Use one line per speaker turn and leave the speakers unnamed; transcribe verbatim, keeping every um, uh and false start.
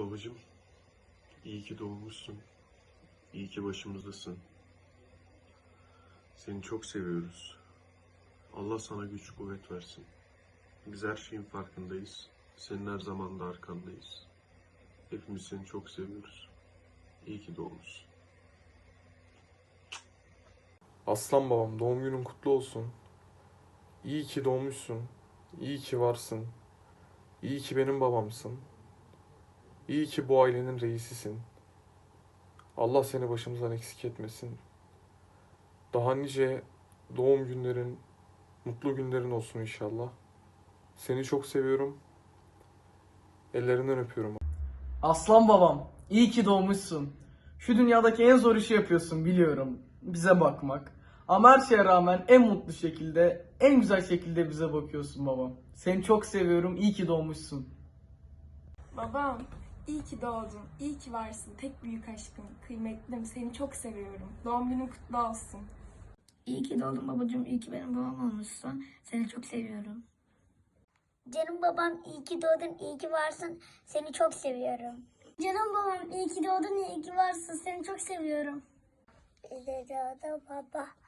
Babacığım, iyi ki doğmuşsun. İyi ki başımızdasın. Seni çok seviyoruz. Allah sana güç kuvvet versin. Biz her şeyin farkındayız. Senin her zaman da arkandayız. Hepimiz seni çok seviyoruz. İyi ki doğmuşsun.
Aslan babam, doğum günün kutlu olsun. İyi ki doğmuşsun. İyi ki varsın. İyi ki benim babamsın. İyi ki bu ailenin reisisin. Allah seni başımızdan eksik etmesin. Daha nice doğum günlerin, mutlu günlerin olsun inşallah. Seni çok seviyorum. Ellerinden öpüyorum.
Aslan babam, iyi ki doğmuşsun. Şu dünyadaki en zor işi yapıyorsun biliyorum. Bize bakmak. Ama her şeye rağmen en mutlu şekilde, en güzel şekilde bize bakıyorsun babam. Seni çok seviyorum, iyi ki doğmuşsun.
Babam, iyi ki doğdun, iyi ki varsın. Tek büyük aşkım, kıymetlim, seni çok seviyorum. Doğum günün kutlu olsun.
İyi ki doğdun babacığım, iyi ki benim babam olmuşsun. Seni çok seviyorum.
Canım babam iyi ki doğdun, iyi ki varsın. Seni çok seviyorum. Canım babam iyi ki doğdun, iyi ki varsın. Seni çok seviyorum. İyi ki doğdun baba.